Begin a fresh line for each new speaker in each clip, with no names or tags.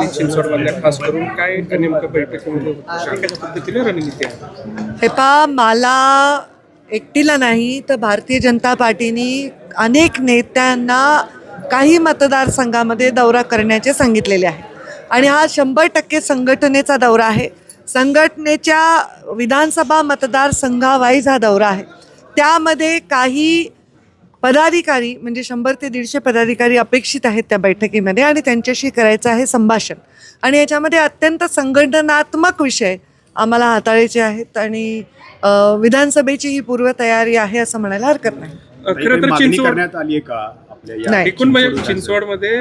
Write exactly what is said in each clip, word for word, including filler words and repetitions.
पिंपरी चिंचवडमधल्या खास करून काय नेमकं बैठकीमध्ये होतं, कशा पद्धतीने रणनीती आहे?
हे पहा, मला एकटीला नाही तर भारतीय जनता पार्टीने अनेक नेत्यांना काही मतदारसंघामध्ये दौरा करण्याचे सांगितलेले आहे आणि हा शंभर टक्के संघटनेचा दौरा आहे. संघटनेच्या विधानसभा मतदारसंघावाईज हा दौरा आहे. त्यामध्ये काही पदाधिकारी म्हणजे शंभर ते दीडशे पदाधिकारी अपेक्षित आहेत त्या बैठकीमध्ये आणि त्यांच्याशी करायचं आहे संभाषण आणि याच्यामध्ये अत्यंत संघटनात्मक विषय आम्हाला हाताळायचे आहेत आणि विधानसभेची ही पूर्वतयारी आहे असं म्हणायला हरकत नाही.
खरं तर चिंचवड
करण्यात आली आहे का आपल्या
नाही.
एकूण म्हणजे चिंचवडमध्ये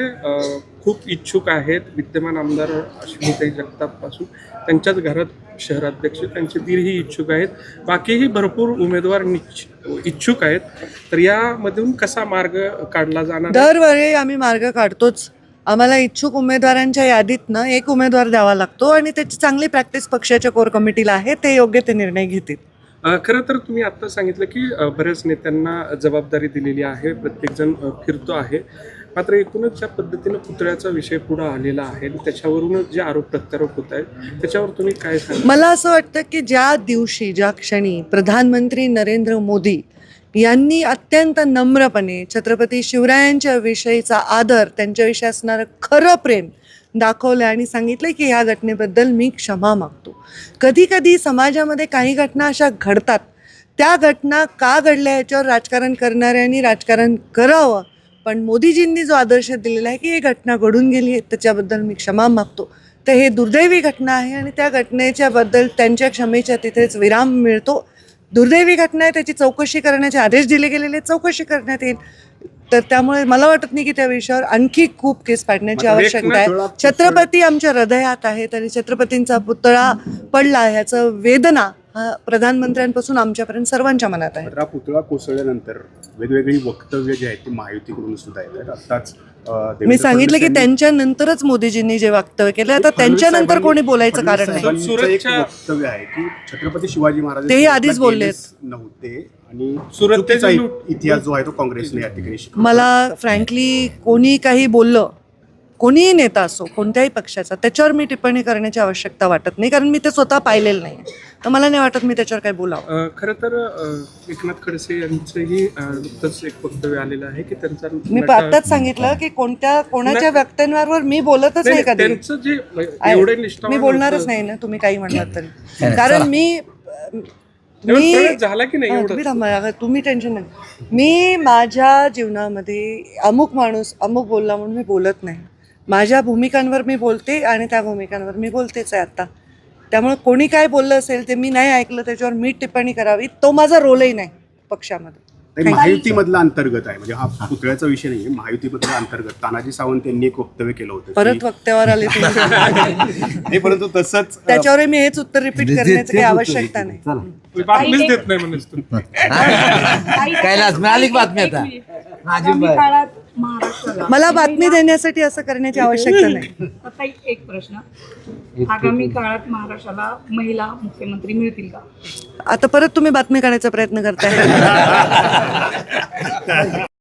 खूप इच्छुक आहेत. विद्यमान आमदार अश्विनीताई जगताप पासून त्यांच्याच घरात शहराध्यक्ष त्यांचे दीरही इच्छुक आहेत. बाकीही भरपूर उमेदवार इच्छुक आहेत. तर यामधून कसा मार्ग काढला जाणार?
दरवेळी आम्ही मार्ग काढतोच. आम्हाला इच्छुक उमेदवारांच्या यादीतनं एक उमेदवार द्यावा लागतो आणि त्याची चांगली प्रॅक्टिस पक्षाच्या कोर कमिटीला आहे. ते योग्य ते निर्णय घेतील.
खरं तर तुम्ही आत्ता सांगितलं की बऱ्याच नेत्यांना जबाबदारी दिलेली आहे, प्रत्येकजण फिरतो आहे. मात्र एकूणच ज्या पद्धतीनं पुतळ्याचा विषय पुढे आलेला आहे त्याच्यावरूनच जे आरोप प्रत्यारोप होत आहेत त्याच्यावर तुम्ही काय सांगा?
मला असं वाटतं की ज्या दिवशी ज्या क्षणी प्रधानमंत्री नरेंद्र मोदी यांनी अत्यंत नम्रपणे छत्रपती शिवरायांच्या विषयीचा आदर, त्यांच्याविषयी असणारं खरं प्रेम दाखवलं आणि सांगितलं की ह्या घटनेबद्दल मी क्षमा मागतो. कधी कधी समाजामध्ये काही घटना अशा घडतात, त्या घटना का घडल्या याच्यावर राजकारण करणाऱ्यांनी राजकारण करावं, पण मोदीजींनी जो आदर्श दिलेला आहे की ही घटना घडून गेली आहे त्याच्याबद्दल मी क्षमा मागतो. तर हे दुर्दैवी घटना आहे आणि त्या घटनेच्याबद्दल त्यांच्या क्षमेच्या तिथेच विराम मिळतो. दुर्दैवी घटना आहे, त्याची चौकशी करण्याचे आदेश दिले गेलेले, चौकशी करण्यात येईल. तर त्यामुळे मला वाटत नाही की त्या विषयावर आणखी खूप केस पाडण्याची आवश्यकता आहे. छत्रपती आमच्या हृदयात आहेत आणि छत्रपतींचा पुतळा पडला ह्याचं वेदना हा प्रधानमंत्र्यांपासून आमच्यापर्यंत सर्वांच्या मनात आहे.
हा पुतळा कोसळल्यानंतर वेगवेगळी वक्तव्य जे आहेत ती महायुतीकडून सुद्धा आहेत. आताच
मी सांगितलं की त्यांच्यानंतरच मोदीजींनी जे वक्तव्य केलं, आता त्यांच्यानंतर कोणी बोलायचं कारण नाही.
वक्तव्य आहे की छत्रपती शिवाजी महाराज
तेही आधीच बोलले
नव्हते आणि
सुरतेचा
इतिहास जो आहे तो काँग्रेसने या ठिकाणी शिकवला.
मला फ्रँकली कोणी काही बोललं, कोणीही नेता असो कोणत्याही पक्षाचा, त्याच्यावर मी टिप्पणी करण्याची आवश्यकता वाटत नाही, कारण मी ते स्वतः पाहिलेलं नाही. तर मला नाही वाटत मी त्याच्यावर काही बोलावं.
खरं तर एकनाथ खडसे यांचंही नुकतंच एक वक्तव्य आलेलं आहे की त्यांचा,
मी आत्ताच सांगितलं की कोणत्या कोणाच्या वक्तव्यांवर मी बोलतच नाही कधी.
त्यांचं जे एवढे
मी बोलणारच नाही ना, तुम्ही काही म्हणलात तरी. कारण मी मी
झाला की नाही
तुम्ही थांबा, तुम्ही टेन्शन नाही. मी माझ्या जीवनामध्ये अमुक माणूस अमुक बोलला म्हणून मी बोलत नाही. माझ्या भूमिकांवर मी बोलते आणि त्या भूमिकांवर मी बोलतेच आहे आता. त्यामुळे कोणी काय बोललं असेल ते मी नाही ऐकलं, त्याच्यावर मी टिप्पणी करावी, तो माझा रोलही नाही पक्षामध्ये.
महायुतीमधला अंतर्गत आहे, म्हणजे हा पुतळ्याचा विषय नाही, महायुतीमधला अंतर्गत. तानाजी सावंत यांनी एक वक्तव्य केलं होतं.
परत वक्त्यावर आले
नाही, परंतु तसंच
त्याच्यावर मी हेच उत्तर रिपीट करण्याची काही आवश्यकता नाही.
बातमीच देत नाही म्हणून
कैलास मिळाली बातमी आता.
मला बातमी देण्यासाठी असं करण्याची आवश्यकता नाही.
आता एक प्रश्न, आगामी काळात महाराष्ट्राला महिला मुख्यमंत्री मिळतील का?
आता परत तुम्ही बातमी काढायचा प्रयत्न करताय.